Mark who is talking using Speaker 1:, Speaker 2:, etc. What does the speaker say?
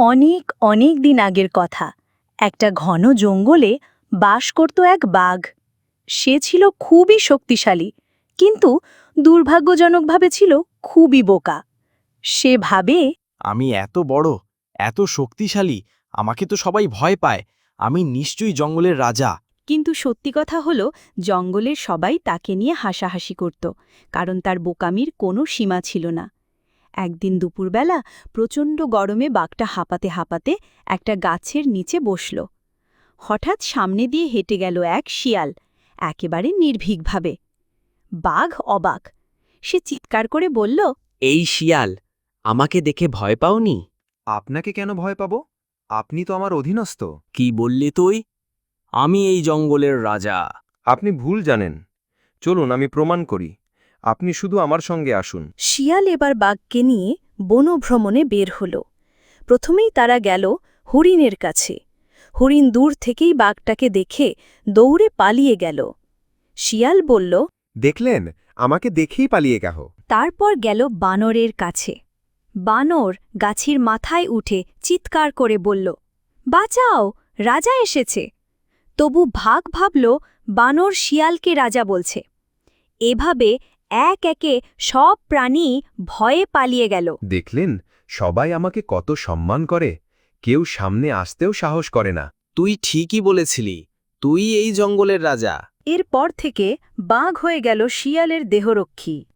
Speaker 1: অনেক অনেক দিন আগের কথা। একটা ঘন জঙ্গলে বাস করত এক বাঘ। সে ছিল খুবই শক্তিশালী, কিন্তু দুর্ভাগ্যজনকভাবে ছিল খুবই বোকা। সে ভাবে,
Speaker 2: আমি এত বড়, এত শক্তিশালী, আমাকে তো সবাই ভয় পায়। আমি নিশ্চয়ই জঙ্গলের রাজা।
Speaker 1: কিন্তু সত্যি কথা হলো, জঙ্গলের সবাই তাকে নিয়ে হাসাহাসি করত, কারণ তার বোকামির কোনো সীমা ছিল না। একদিন দুপুরবেলা প্রচণ্ড গরমে বাঘটা হাঁপাতে হাঁপাতে একটা গাছের নিচে বসল। হঠাৎ সামনে দিয়ে হেঁটে গেল এক শিয়াল, একেবারে নির্ভীকভাবে। বাঘ অবাক। সে চিৎকার করে বলল,
Speaker 3: এই শিয়াল, আমাকে দেখে ভয় পাওনি?
Speaker 4: আপনাকে কেন ভয় পাব? আপনি তো আমার অধীনস্থ।
Speaker 2: কি বললি তুই? আমি এই জঙ্গলের রাজা।
Speaker 4: আপনি ভুল জানেন। চলুন আমি প্রমাণ করি। আপনি শুধু আমার সঙ্গে আসুন।
Speaker 1: শিয়াল এবার বাঘকে নিয়ে বনভ্রমণে বের হল। প্রথমেই তারা গেল হরিণের কাছে। হরিণ দূর থেকেই বাঘটাকে দেখে দৌড়ে পালিয়ে গেল। শিয়াল বলল,
Speaker 4: দেখলেন, আমাকে দেখেই পালিয়ে গেল।
Speaker 1: তারপর গেল বানরের কাছে। বানর গাছের মাথায় উঠে চিৎকার করে বলল, বাঁচাও, রাজা এসেছে। তবু ভাগ ভাবল বানর শিয়ালকে রাজা বলছে। এভাবে এক একে সব প্রাণী ভয়ে পালিয়ে গেল।
Speaker 4: দেখলেন, সবাই আমাকে কত সম্মান করে। কেউ সামনে আসতেও সাহস করে না।
Speaker 2: তুই ঠিকই বলেছিলি, তুই এই জঙ্গলের রাজা।
Speaker 1: এরপর থেকে বাঘ হয়ে গেল শিয়ালের দেহরক্ষী।